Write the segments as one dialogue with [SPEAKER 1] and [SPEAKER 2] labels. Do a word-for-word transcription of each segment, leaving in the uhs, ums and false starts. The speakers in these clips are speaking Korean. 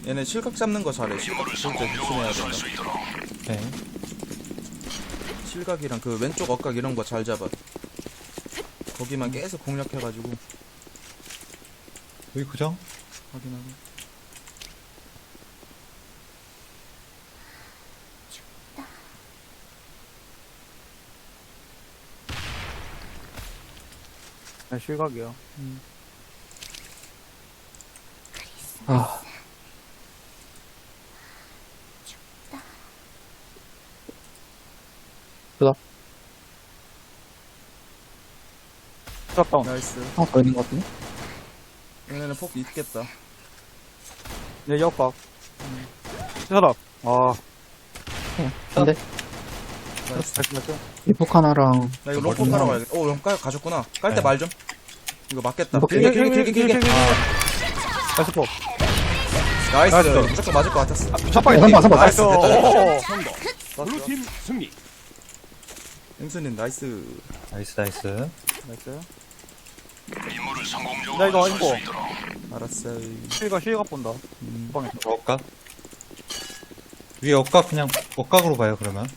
[SPEAKER 1] 얘네 실각 잡는 거 잘해. 실각 진짜 조심해야 된다.
[SPEAKER 2] 네.
[SPEAKER 1] 실각이랑 그 왼쪽 엇각 이런 거 잘 잡아. 거기만 계속 공략해가지고
[SPEAKER 2] 여기 고정.
[SPEAKER 1] 확인하고.
[SPEAKER 3] 네, 실각이요.
[SPEAKER 4] 아. 그다.
[SPEAKER 3] 샷다운.
[SPEAKER 1] 나이스.
[SPEAKER 4] 하나 더 있는 것 같은데?
[SPEAKER 1] 얘네는 폭 있겠다.
[SPEAKER 3] 네, 역각. 샷업. 아,
[SPEAKER 4] 안 돼.
[SPEAKER 1] 나이스.
[SPEAKER 3] 나이스, 나이스.
[SPEAKER 4] 이폭 하나랑.
[SPEAKER 1] 나 이거 롱폭 깔아 가야겠다. 오, 롱 깔, 가셨구나. 깔 때
[SPEAKER 2] 네.
[SPEAKER 1] 말 좀. 이거 맞겠다.
[SPEAKER 4] 이거
[SPEAKER 1] 길게, 길게, 길게, 길게.
[SPEAKER 3] 나이스 포.
[SPEAKER 1] 나이스.
[SPEAKER 3] 나이스.
[SPEAKER 1] 무조건 맞을 것 같았어.
[SPEAKER 3] 첫방에
[SPEAKER 4] 선방, 선방.
[SPEAKER 1] 나이스.
[SPEAKER 3] 오.
[SPEAKER 1] 됐다.
[SPEAKER 5] 블루팀 승리.
[SPEAKER 1] 앵수님, 나이스.
[SPEAKER 2] 나이스, 나이스.
[SPEAKER 3] 나이스.
[SPEAKER 5] 임무를 성공적으로
[SPEAKER 3] 나 이거
[SPEAKER 5] 완수할
[SPEAKER 3] 이거.
[SPEAKER 5] 수 있도록.
[SPEAKER 1] 알았어.
[SPEAKER 3] 실각, 실각 본다.
[SPEAKER 1] 음.
[SPEAKER 3] 방에.
[SPEAKER 2] 억각. 위에 억각 그냥 억각으로 가요, 그러면.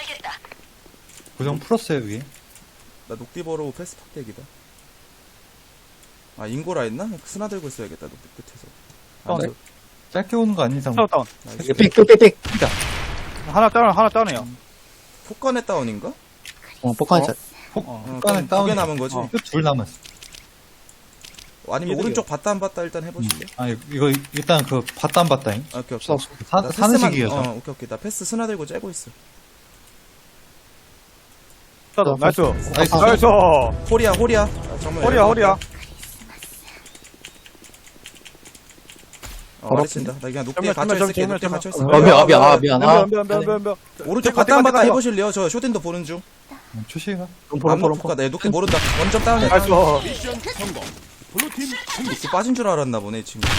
[SPEAKER 2] 고정 풀었어요, 위에.
[SPEAKER 1] 나 녹디버로 패스 팍대기다. 아, 인고라 했나? 스나 들고 있어야겠다, 녹디 끝에서. 아,
[SPEAKER 3] 다운.
[SPEAKER 2] 짧게 오는 거 아닌 이상.
[SPEAKER 3] 샷다운.
[SPEAKER 1] 나이스.
[SPEAKER 4] 삑, 삑, 삑, 삑.
[SPEAKER 3] 하나 다운, 하나 다운이야.
[SPEAKER 1] 폭간의 다운인가?
[SPEAKER 4] 어, 폭탄이
[SPEAKER 3] 어?
[SPEAKER 4] 잘.
[SPEAKER 2] 폭,
[SPEAKER 3] 어,
[SPEAKER 1] 어,
[SPEAKER 2] 폭간에
[SPEAKER 1] 두개
[SPEAKER 2] 다운이.
[SPEAKER 1] 남은 거지.
[SPEAKER 3] 어.
[SPEAKER 2] 둘 남았어.
[SPEAKER 1] 아니면
[SPEAKER 3] 이득이요.
[SPEAKER 1] 오른쪽 봤다 안 봤다 일단 해보실래?
[SPEAKER 2] 아, 이거 일단 그 봤다 안 봤다잉.
[SPEAKER 1] 아, 오케이, 오케이.
[SPEAKER 4] 쏴.
[SPEAKER 2] 사,
[SPEAKER 1] 나
[SPEAKER 2] 사는
[SPEAKER 1] 패스만-
[SPEAKER 2] 시기여서.
[SPEAKER 1] 어, 오케이, 오케이. 나 패스 스나 들고 째고 있어.
[SPEAKER 3] 샷다운. 나이스.
[SPEAKER 2] 나이스.
[SPEAKER 3] 나이스.
[SPEAKER 1] 호리야, 호리야. 아, 정말
[SPEAKER 3] 허리야, 허리야.
[SPEAKER 1] 어, 많이 친다. 나 그냥 녹디에
[SPEAKER 3] 정면,
[SPEAKER 1] 갇혀
[SPEAKER 3] 정면,
[SPEAKER 1] 있을게.
[SPEAKER 3] 정면,
[SPEAKER 1] 녹디에
[SPEAKER 3] 정면.
[SPEAKER 1] 갇혀 있어.
[SPEAKER 4] 아, 미안, 아, 미안, 아, 미안. 아,
[SPEAKER 3] 면, 면, 면, 면, 면.
[SPEAKER 1] 오른쪽
[SPEAKER 3] 떼고,
[SPEAKER 1] 봤다 안
[SPEAKER 3] 떼고,
[SPEAKER 1] 봤다
[SPEAKER 3] 떼고.
[SPEAKER 1] 해보실래요? 저 쇼딘도 보는 중.
[SPEAKER 2] 초시가.
[SPEAKER 4] 롬포,
[SPEAKER 1] 안
[SPEAKER 4] 롬포,
[SPEAKER 1] 먹고
[SPEAKER 4] 롬포.
[SPEAKER 1] 가. 내 녹디 모른다. 원점 다운해.
[SPEAKER 3] 나이스.
[SPEAKER 5] 미션 성공. 블루팀 승리.
[SPEAKER 1] 녹디 빠진 줄 알았나 보네, 이 친구.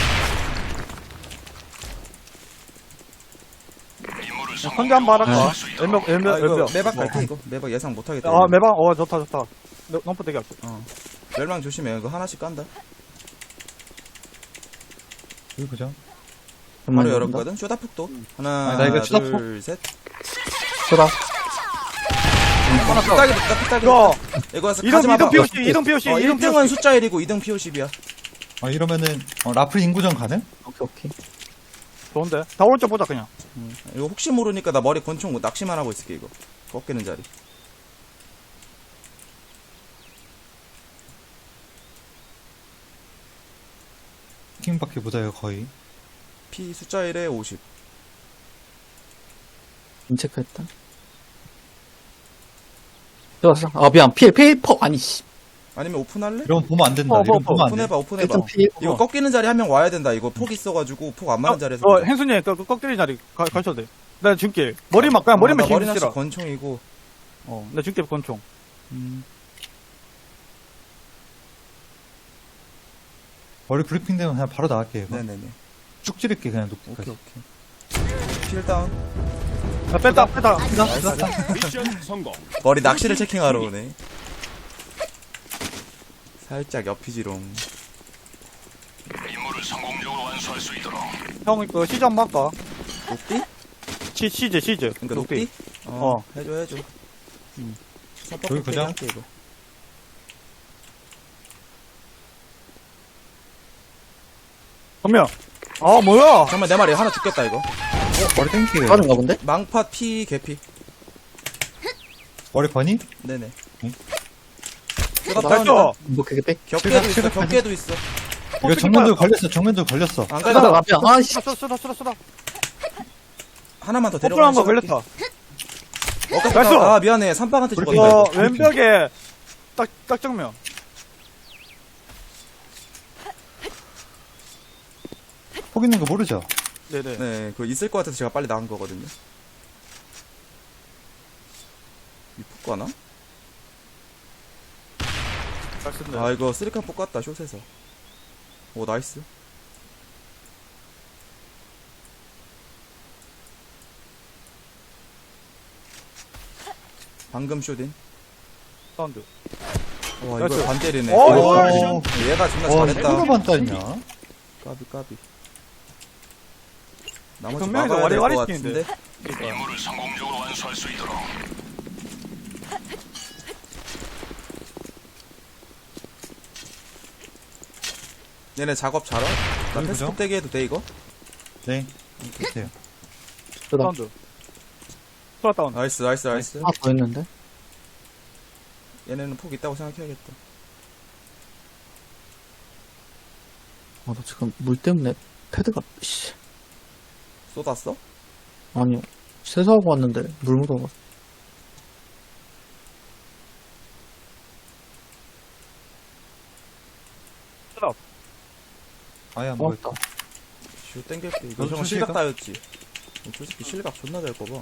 [SPEAKER 5] 임무를
[SPEAKER 3] 선제 한번
[SPEAKER 5] 성공적으로
[SPEAKER 3] 할까?
[SPEAKER 5] 완수할 수 있도록.
[SPEAKER 3] 엠벽,
[SPEAKER 1] 아,
[SPEAKER 3] 엠벽,
[SPEAKER 1] 이거
[SPEAKER 3] 엠벽.
[SPEAKER 1] 매박 갈게, 이거. 매박 예상 못하겠다.
[SPEAKER 3] 아,
[SPEAKER 1] 이거.
[SPEAKER 3] 매방? 어, 좋다, 좋다. 넘프 대기 할게.
[SPEAKER 1] 어. 멸망 조심해. 이거 하나씩 깐다.
[SPEAKER 2] 여기 고정.
[SPEAKER 1] 바로 열었거든? 쇼다폭도. 하나,
[SPEAKER 2] 아, 나 이거 쇼다폭?
[SPEAKER 1] 둘, 셋.
[SPEAKER 4] 쏘다.
[SPEAKER 1] 하나 피딱이 됐다, 피딱이
[SPEAKER 3] 이거,
[SPEAKER 1] 됐다. 이거
[SPEAKER 3] 이동,
[SPEAKER 1] 가지 마봐.
[SPEAKER 3] 이동 피오씨, 이동 피오씨,
[SPEAKER 1] 어,
[SPEAKER 3] 이동
[SPEAKER 1] 일 등은 숫자 일이고 이 등 피오십이야.
[SPEAKER 2] 어, 이러면은, 어, 라플 인구전 가능?
[SPEAKER 4] 오케이, 오케이.
[SPEAKER 3] 좋은데? 다 오른쪽 보자, 그냥.
[SPEAKER 1] 이거 혹시 모르니까 나 머리 권총 낚시만 하고 있을게, 이거. 꺾이는 자리.
[SPEAKER 2] 킹밖에 못 와요, 거의.
[SPEAKER 1] 피 숫자 일에 오십.
[SPEAKER 4] 인체크했다. 들어왔어. 아, 미안. 필, 필, 폭. 아니, 씨.
[SPEAKER 1] 아니면 오픈할래?
[SPEAKER 2] 이러면 보면 안 된다.
[SPEAKER 3] 어,
[SPEAKER 2] 이러면
[SPEAKER 3] 뭐,
[SPEAKER 2] 보면 안 돼.
[SPEAKER 1] 오픈해봐, 오픈해봐.
[SPEAKER 4] 일단 필.
[SPEAKER 1] 이거
[SPEAKER 3] 어.
[SPEAKER 1] 꺾이는 자리 한 명 와야 된다. 이거 폭 있어가지고 폭 안 맞는 자리에서.
[SPEAKER 3] 어, 행순이, 그, 그 꺾이는 자리 가, 가셔도 돼. 나 줄게. 머리만, 그냥 머리만
[SPEAKER 1] 어, 나 머리
[SPEAKER 3] 힘
[SPEAKER 1] 낚시
[SPEAKER 3] 쓰라.
[SPEAKER 1] 권총이고.
[SPEAKER 3] 어, 나 줄게, 권총.
[SPEAKER 2] 머리 브리핑 되면 그냥 바로 나갈게, 이거.
[SPEAKER 1] 네네네.
[SPEAKER 2] 쭉 찌를게, 그냥
[SPEAKER 1] 오케이,
[SPEAKER 2] 녹기까지.
[SPEAKER 1] 오케이. 필 다운.
[SPEAKER 3] 야, 뺐다, 뺐다.
[SPEAKER 5] 미션 성공.
[SPEAKER 1] 머리 낚시를 체킹하러 오네. 살짝 옆이지롱.
[SPEAKER 5] 임무를 성공적으로 완수할 수 있도록.
[SPEAKER 3] 형, 그, 시즈 한번 할까?
[SPEAKER 1] 녹디?
[SPEAKER 3] 시, 시즈, 시즈.
[SPEAKER 1] 그니까 녹디?
[SPEAKER 3] 어.
[SPEAKER 1] 어, 해줘, 해줘. 음.
[SPEAKER 2] 저기 그냥?
[SPEAKER 1] 할게, 이거.
[SPEAKER 3] 전면. 아, 뭐야?
[SPEAKER 1] 잠깐만, 내 말이 하나 죽겠다, 이거.
[SPEAKER 2] 머리 땡기게.
[SPEAKER 4] 빠른가 본데?
[SPEAKER 1] 망파 피 개피.
[SPEAKER 2] 머리 버니?
[SPEAKER 1] 네네.
[SPEAKER 2] 응?
[SPEAKER 1] 쇼다
[SPEAKER 3] 나이스.
[SPEAKER 1] 다운이다.
[SPEAKER 4] 뭐, 그게 빽.
[SPEAKER 1] 격계도 있어,
[SPEAKER 2] 실각,
[SPEAKER 1] 격계도 있어.
[SPEAKER 2] 이거 정면도 걸렸어, 정면도 걸렸어.
[SPEAKER 1] 안
[SPEAKER 4] 쏘다,
[SPEAKER 1] 가자.
[SPEAKER 4] 아, 미안. 아, 씨.
[SPEAKER 3] 쏘다, 쏘다, 쏘다, 쏘다.
[SPEAKER 1] 하나만 더
[SPEAKER 3] 오픈한
[SPEAKER 1] 데려가면
[SPEAKER 3] 거 걸렸다.
[SPEAKER 1] 어,
[SPEAKER 3] 나이스.
[SPEAKER 1] 아, 미안해. 삼방한테 죽었다.
[SPEAKER 3] 이거,
[SPEAKER 1] 이거.
[SPEAKER 3] 왼벽에, 딱, 딱 정면.
[SPEAKER 2] 폭 있는 거 모르죠?
[SPEAKER 3] 네네.
[SPEAKER 1] 네, 그거 있을 것 같아서 제가 빨리 나간 거거든요. 이쁠 거나?
[SPEAKER 3] 잘 쓴다.
[SPEAKER 1] 아, 이거 쓰리칸 뽑았다, 숏에서. 오, 나이스. 방금 쇼딘.
[SPEAKER 3] 사운드.
[SPEAKER 1] 와,
[SPEAKER 3] 나이스.
[SPEAKER 1] 이걸 반 때리네.
[SPEAKER 3] 어,
[SPEAKER 1] 오,
[SPEAKER 3] 이거
[SPEAKER 1] 얘가 존나
[SPEAKER 2] 와,
[SPEAKER 1] 잘했다.
[SPEAKER 2] 이거 반따냐?
[SPEAKER 1] 까비, 까비. 나머지
[SPEAKER 3] 정면에서
[SPEAKER 1] 막아야 될 것
[SPEAKER 3] 와리와리
[SPEAKER 1] 같은데.
[SPEAKER 5] 임무를 성공적으로 완수할 수 있도록.
[SPEAKER 1] 얘네 작업 잘하? 나
[SPEAKER 2] 여기
[SPEAKER 1] 패스폭
[SPEAKER 2] 보죠.
[SPEAKER 1] 대기 해도 돼 이거?
[SPEAKER 2] 네. 됐어요.
[SPEAKER 4] 쓰다.
[SPEAKER 3] 사운드. 소라 다운.
[SPEAKER 1] 나이스 나이스 나이스.
[SPEAKER 4] 하나 더 있는데?
[SPEAKER 1] 얘네는 폭 있다고 생각해야겠다.
[SPEAKER 4] 아, 나 지금 물 때문에 패드가, 씨.
[SPEAKER 1] 쏟았어?
[SPEAKER 4] 아니, 세수하고 왔는데 물 묻어가지고.
[SPEAKER 3] 쓰다.
[SPEAKER 2] 아예 안
[SPEAKER 4] 고맙다.
[SPEAKER 2] 보였다.
[SPEAKER 1] 슈 땡길게. 이거
[SPEAKER 2] 너도
[SPEAKER 1] 형
[SPEAKER 2] 실각?
[SPEAKER 1] 실각 따였지. 솔직히 실각 존나 될 거봐.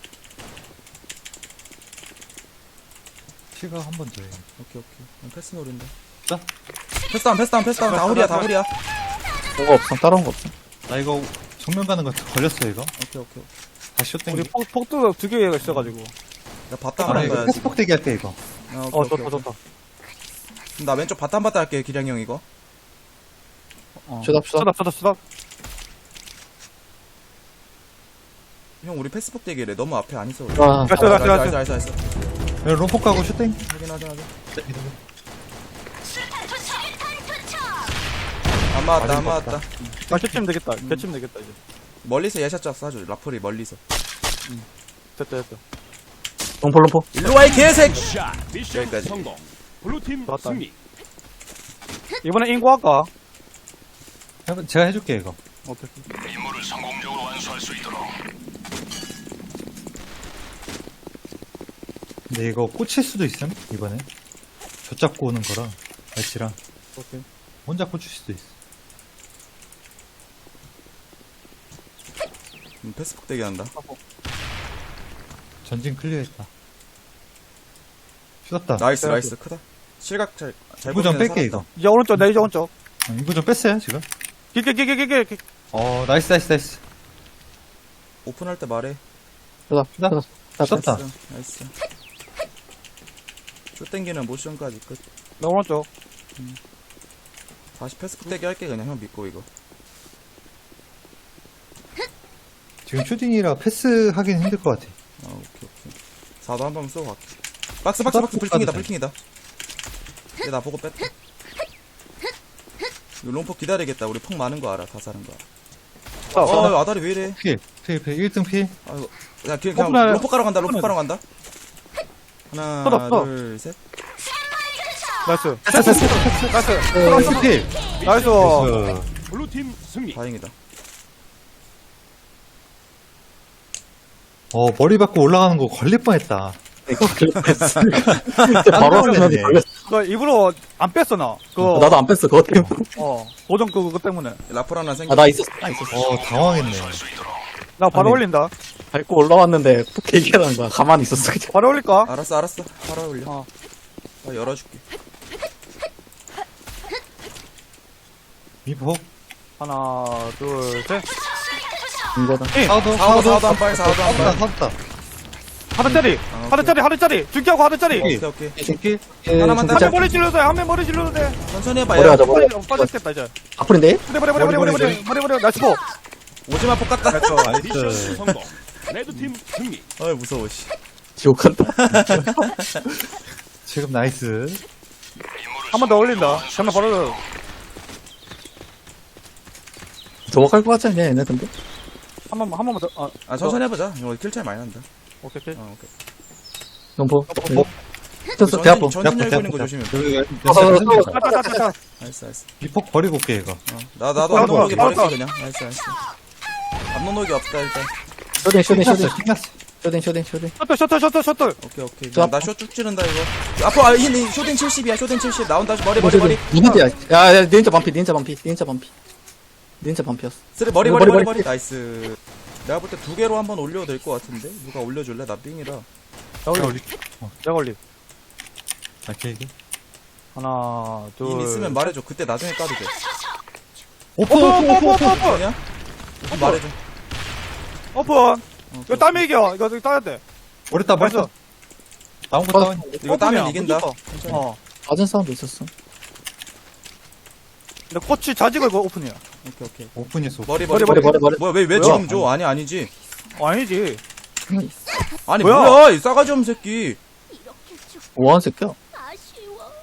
[SPEAKER 2] 시각 한 번 더 해.
[SPEAKER 1] 오케이 오케이. 그냥 패스 노린다.
[SPEAKER 2] 자.
[SPEAKER 1] 패스다운 패스다운 패스다운 다우리야 다우리야.
[SPEAKER 4] 뭐가 없어. 따라온 거 없어.
[SPEAKER 2] 나 이거 정면 가는 거 걸렸어, 이거.
[SPEAKER 1] 오케이 오케이.
[SPEAKER 2] 다시 숏
[SPEAKER 3] 우리
[SPEAKER 2] 땡기.
[SPEAKER 3] 폭, 폭도 두 개가 있어가지고.
[SPEAKER 1] 나 바탕
[SPEAKER 2] 아,
[SPEAKER 1] 하나
[SPEAKER 2] 이거
[SPEAKER 1] 가야지.
[SPEAKER 2] 패스폭 대기 할게, 이거.
[SPEAKER 1] 아, 오케이,
[SPEAKER 3] 어,
[SPEAKER 1] 오케이,
[SPEAKER 3] 좋다,
[SPEAKER 1] 오케이.
[SPEAKER 3] 좋다.
[SPEAKER 1] 그럼 나 왼쪽 바탕 바탕 할게 기량이 형 이거.
[SPEAKER 3] 어.
[SPEAKER 4] 슛업, 슛업.
[SPEAKER 3] 쓰다, 쓰다, 쓰다.
[SPEAKER 1] 형 우리 패스폭 대기래. 너무 앞에 안 있어.
[SPEAKER 4] 아,
[SPEAKER 3] 나이스, 나이스, 나이스.
[SPEAKER 1] 나이스 나이스.
[SPEAKER 2] 여기 롬폭 가고 숏 땡기.
[SPEAKER 1] 확인하자 하자. 안 맞았다 안
[SPEAKER 2] 맞은 것
[SPEAKER 1] 맞았다.
[SPEAKER 3] 아, 개치면 되겠다. 개치면 되겠다, 이제.
[SPEAKER 1] 멀리서 예샷 쫙 쏴줘. 라플이 멀리서.
[SPEAKER 3] 됐다, 됐다.
[SPEAKER 4] 롱포, 롱포.
[SPEAKER 1] 일로 와이 개새끼.
[SPEAKER 5] 샷. 미션
[SPEAKER 1] 여기까지.
[SPEAKER 5] 성공. 블루팀
[SPEAKER 3] 좋았다.
[SPEAKER 5] 승리.
[SPEAKER 3] 이번에 인구 할까?
[SPEAKER 2] 해봐- 제가 해줄게, 이거.
[SPEAKER 3] 오케이.
[SPEAKER 5] 임무를 성공적으로 완수할 수 있도록.
[SPEAKER 2] 근데 이거 꽂힐 수도 있음, 이번에. 저 잡고 오는 거랑, 날씨랑.
[SPEAKER 3] 오케이.
[SPEAKER 2] 혼자 꽂힐 수도 있어.
[SPEAKER 1] 음, 패스폭 대기 한다.
[SPEAKER 2] 전진 클리어했다. 슛었다.
[SPEAKER 1] 나이스
[SPEAKER 3] 빼야지.
[SPEAKER 1] 나이스 크다. 실각 잘잘
[SPEAKER 2] 이거 좀 뺄게, 이거.
[SPEAKER 3] 이제 오른쪽, 내 이제 오른쪽.
[SPEAKER 2] 어, 이거 좀 뺐어요, 지금.
[SPEAKER 3] 길게, 길게, 길게, 길게.
[SPEAKER 2] 어, 나이스, 나이스, 나이스.
[SPEAKER 1] 오픈할 때 말해.
[SPEAKER 4] 슛업,
[SPEAKER 2] 슛업.
[SPEAKER 4] 슛업.
[SPEAKER 2] 슛다.
[SPEAKER 1] 나이스. 나이스. 쇼 땡기는 모션까지 끝.
[SPEAKER 3] 내 오른쪽.
[SPEAKER 1] 다시 패스폭 대기 할게 그냥 형 믿고 이거.
[SPEAKER 2] 지금 슈팅이라 패스 하긴 힘들 것 같아.
[SPEAKER 1] 아 오케이 오케이. 사도 한 번 쏘고 갈게. 박스 박스 박스 불킹이다 불킹이다. 얘 나 보고 뺐다. 이거 롱폭 기다리겠다. 우리 폭 많은 거 알아. 다 사는 거 알아.
[SPEAKER 3] 자,
[SPEAKER 1] 어 아다리 왜 이래?
[SPEAKER 2] 필, 필, 필. 일 등 필.
[SPEAKER 1] 아이고. 야 그냥, 그냥
[SPEAKER 3] 오픈해.
[SPEAKER 1] 롱폭 가러 간다. 롱폭 가러 간다. 하나
[SPEAKER 3] 쏟아, 쏟아.
[SPEAKER 1] 둘 셋.
[SPEAKER 3] 나이스. 나이스.
[SPEAKER 2] 나이스 필.
[SPEAKER 3] 나이스.
[SPEAKER 2] 나이스.
[SPEAKER 5] 블루팀 승리.
[SPEAKER 1] 다행이다.
[SPEAKER 2] 어, 머리 받고 올라가는 거 걸릴 뻔했다.
[SPEAKER 4] 바로 하면
[SPEAKER 2] 걸렸네.
[SPEAKER 4] 걸렸어.
[SPEAKER 3] 그 일부러 안 뺐어, 나. 그거.
[SPEAKER 4] 나도 안 뺐어, 그거 때문에.
[SPEAKER 3] 어. 고정 그, 그거 때문에.
[SPEAKER 1] 라플 하나 생겨.
[SPEAKER 4] 아, 나 있었어, 나 있었어.
[SPEAKER 2] 어, 당황했네.
[SPEAKER 3] 나 바로
[SPEAKER 2] 아니.
[SPEAKER 3] 올린다.
[SPEAKER 4] 밟고 올라왔는데, 푹 얘기하는 거야. 가만히 있었어, 그냥.
[SPEAKER 3] 바로 올릴까?
[SPEAKER 1] 알았어 알았어. 바로 올려.
[SPEAKER 3] 어.
[SPEAKER 1] 나 열어줄게.
[SPEAKER 2] 미포.
[SPEAKER 3] 하나, 둘, 셋.
[SPEAKER 4] 이거다.
[SPEAKER 2] 사우도,
[SPEAKER 1] 사우도 사우도 한 발, 사우도 한
[SPEAKER 2] 사우다,
[SPEAKER 1] 발.
[SPEAKER 2] 사우다.
[SPEAKER 3] 하드짜리.
[SPEAKER 1] 아,
[SPEAKER 3] 하드짜리, 하드짜리. 중기하고 하드짜리.
[SPEAKER 2] 오케이.
[SPEAKER 1] 오케이 오케이.
[SPEAKER 2] 중길.
[SPEAKER 1] 하나만
[SPEAKER 3] 한
[SPEAKER 1] 더.
[SPEAKER 3] 명 머리 질러도 돼. 한 명 머리 질러도 돼.
[SPEAKER 1] 천천히 해봐.
[SPEAKER 4] 머리
[SPEAKER 1] 야.
[SPEAKER 4] 하자, 머리.
[SPEAKER 3] 머리 빠졌겠다, 이제.
[SPEAKER 4] 앞으로인데?
[SPEAKER 3] 머리, 머리, 머리, 머리, 머리,
[SPEAKER 2] 머리,
[SPEAKER 3] 머리, 머리, 머리. 나이스 포.
[SPEAKER 1] 오지마 폭 같다.
[SPEAKER 5] 미션
[SPEAKER 2] 나이스.
[SPEAKER 5] 성공. 레드팀 승리.
[SPEAKER 1] 어이 무서워 씨.
[SPEAKER 4] 지옥한다.
[SPEAKER 2] 지금 나이스.
[SPEAKER 3] 한 번 더 올린다. 잠깐 바로.
[SPEAKER 4] 도박할 것 같지 않냐, 얘네, 근데?
[SPEAKER 3] 한 번만, 한 번만 더. 아,
[SPEAKER 1] 아 천천히 해보자. 이거 킬 차이 많이 난다.
[SPEAKER 3] 오케이, 오케이.
[SPEAKER 1] 어 오케이.
[SPEAKER 4] 롱포.
[SPEAKER 2] 뭐?
[SPEAKER 4] 됐어, 배 아파.
[SPEAKER 1] 전진
[SPEAKER 2] 대
[SPEAKER 1] 열고 있는
[SPEAKER 2] 아프다.
[SPEAKER 1] 거 조심해.
[SPEAKER 2] 여기,
[SPEAKER 4] 어, 어, 어,
[SPEAKER 2] 여기,
[SPEAKER 3] 자, 자, 자, 자.
[SPEAKER 1] 나이스 나이스.
[SPEAKER 2] 미포 버리고 올게, 이거.
[SPEAKER 1] 어. 나 나도
[SPEAKER 3] 바로
[SPEAKER 1] 앞노노기
[SPEAKER 3] 바로
[SPEAKER 1] 버릴게
[SPEAKER 3] 바로.
[SPEAKER 1] 그냥. 나이스 나이스. 앞노노기 없다 일단.
[SPEAKER 4] 쇼딩, 쇼딩, 쇼딩.
[SPEAKER 2] 신났어, 신났어.
[SPEAKER 4] 쇼딩, 쇼딩, 쇼딩.
[SPEAKER 3] 셔틀, 셔틀, 셔틀, 셔틀.
[SPEAKER 1] 오케이 오케이.
[SPEAKER 4] 자,
[SPEAKER 1] 나쇼쭉 찌른다 이거. 앞으로 아, 이, 이 쇼딩 칠십이야. 쇼딩 칠십 나온다. 머리 머리 머리.
[SPEAKER 4] 니인자야. 야, 야, 닌자 반피, 닌자 반피, 닌자 반피. 닌자 반피였어.
[SPEAKER 1] 쓰리 머리
[SPEAKER 4] 머리,
[SPEAKER 1] 머리 머리
[SPEAKER 4] 머리.
[SPEAKER 1] 머리. 나이스. 내가 볼 때 두 개로 한번 올려도 될 것 같은데. 누가 올려줄래? 나 삥이라.
[SPEAKER 3] 자, 올리. 내가 올리.
[SPEAKER 2] 아, 길게.
[SPEAKER 3] 하나, 둘.
[SPEAKER 1] 임 있으면 말해줘. 그때 나중에 까도 돼.
[SPEAKER 2] 오프,
[SPEAKER 3] 오픈,
[SPEAKER 2] 오프, 오프, 오프.
[SPEAKER 3] 오픈, 오픈.
[SPEAKER 1] 아니야? 말해줘.
[SPEAKER 3] 오픈.
[SPEAKER 1] 어,
[SPEAKER 3] 이거 땀이 이겨. 이거 따야 돼.
[SPEAKER 2] 버렸다, 버렸다.
[SPEAKER 3] 벌써.
[SPEAKER 2] 나온 거 다운.
[SPEAKER 1] 이거 따면
[SPEAKER 3] 오픈이야,
[SPEAKER 1] 이긴다.
[SPEAKER 3] 무조건.
[SPEAKER 1] 천천히.
[SPEAKER 3] 어.
[SPEAKER 4] 맞은 사운드 있었어.
[SPEAKER 3] 근데 꼬치 자직을 그 오픈이야.
[SPEAKER 1] 오케이 오케이.
[SPEAKER 2] 오픈했어.
[SPEAKER 1] 머리 머리
[SPEAKER 4] 머리,
[SPEAKER 1] 머리.
[SPEAKER 4] 머리, 머리.
[SPEAKER 1] 뭐야 왜 왜
[SPEAKER 3] 뭐야?
[SPEAKER 1] 지금 줘? 아니 아니지.
[SPEAKER 3] 어, 아니지.
[SPEAKER 1] 아니
[SPEAKER 3] 뭐야?
[SPEAKER 1] 뭐야, 이 싸가지 없는 새끼.
[SPEAKER 6] 이렇게 죽
[SPEAKER 4] 뭐하는 새끼야?
[SPEAKER 6] 아쉬워.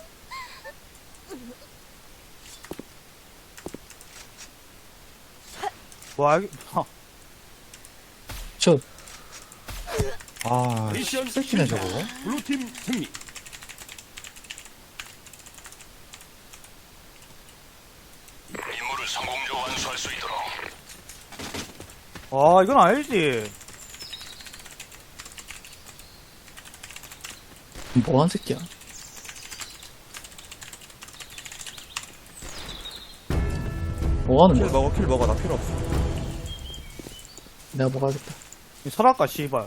[SPEAKER 3] 뭐, 알겠, 하.
[SPEAKER 4] 저,
[SPEAKER 2] 아,
[SPEAKER 5] 미션
[SPEAKER 2] 새끼네,
[SPEAKER 5] 실패.
[SPEAKER 2] 저거.
[SPEAKER 5] 블루팀 승리. 임무를 성공적으로 완수할 수 있도록.
[SPEAKER 3] 아, 이건 아니지.
[SPEAKER 4] 뭐하는 새끼야? 뭐하는
[SPEAKER 1] 킬
[SPEAKER 4] 거야?
[SPEAKER 1] 먹어 킬 먹어 나 필요 없어.
[SPEAKER 4] 내가 먹어야겠다.
[SPEAKER 3] 이 설악가, 씨발.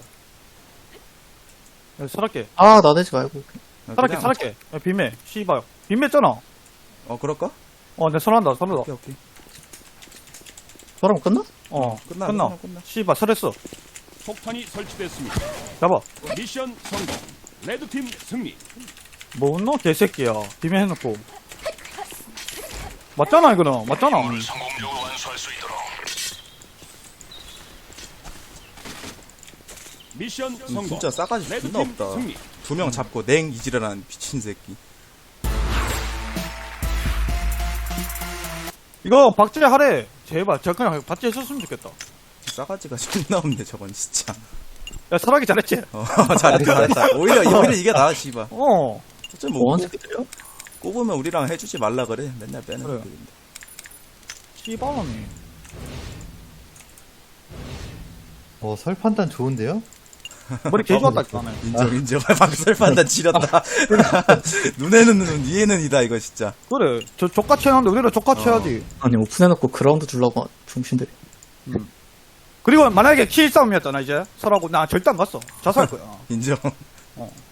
[SPEAKER 3] 야, 설악게.
[SPEAKER 4] 아, 나대지 말고.
[SPEAKER 1] 아,
[SPEAKER 3] 설악게,
[SPEAKER 1] 그냥-
[SPEAKER 3] 설악게. 야, 빈매. 씨발. 빈매했잖아.
[SPEAKER 1] 어 그럴까?
[SPEAKER 3] 어, 내 설한다, 설한다.
[SPEAKER 1] 오케이 오케이.
[SPEAKER 4] 저럼 끝나?
[SPEAKER 3] 어,
[SPEAKER 1] 끝나,
[SPEAKER 3] 끝나.
[SPEAKER 1] 끝나, 끝나.
[SPEAKER 3] 씨발, 설했어.
[SPEAKER 5] 폭탄이 설치됐습니다.
[SPEAKER 3] 잡아.
[SPEAKER 5] 미션 성공. 레드팀 승리.
[SPEAKER 3] 뭐, 너 개새끼야. 빈매 해놓고. 맞잖아, 이거는. 맞잖아.
[SPEAKER 5] 임무를 성공적으로 완수할 수 있도록. 미션
[SPEAKER 1] 음,
[SPEAKER 5] 성공.
[SPEAKER 1] 진짜 싸가지 존나
[SPEAKER 5] 레드팀
[SPEAKER 1] 없다.
[SPEAKER 5] 승리.
[SPEAKER 1] 두 명 잡고 냉 이지랄한 미친 새끼.
[SPEAKER 3] 이거 박제 하래. 제발. 저 그냥 박제 해줬으면 좋겠다.
[SPEAKER 1] 싸가지가 존나 없네 저건 진짜.
[SPEAKER 3] 야, 설악이 잘했지?
[SPEAKER 1] 어 잘했다 잘했다. 오히려 오히려 이게 나아 씨발.
[SPEAKER 3] 어.
[SPEAKER 1] 어차피 뭐
[SPEAKER 4] 뭐하는
[SPEAKER 1] 꼽-
[SPEAKER 4] 새끼들이야?
[SPEAKER 1] 꼽으면 우리랑 해주지 말라 그래. 맨날 빼는
[SPEAKER 3] 그래.
[SPEAKER 1] 새끼인데.
[SPEAKER 3] 씨발놈이.
[SPEAKER 2] 어, 설 판단 좋은데요?
[SPEAKER 3] 머리 개 좋았다, 나는.
[SPEAKER 1] 인정 인정. 박설 판단 지렸다. 눈에는 눈 이에는 이다 이거 진짜.
[SPEAKER 3] 그래. 저 족같이 해놨는데 우리는 족같이
[SPEAKER 1] 어.
[SPEAKER 3] 해야지.
[SPEAKER 4] 아니, 오픈해놓고 그라운드 주려고 중신들이.
[SPEAKER 3] 그리고 만약에 킬 싸움이었잖아, 이제. 설하고 나 절대 안 갔어. 자살 거야.
[SPEAKER 1] 인정.
[SPEAKER 3] 어.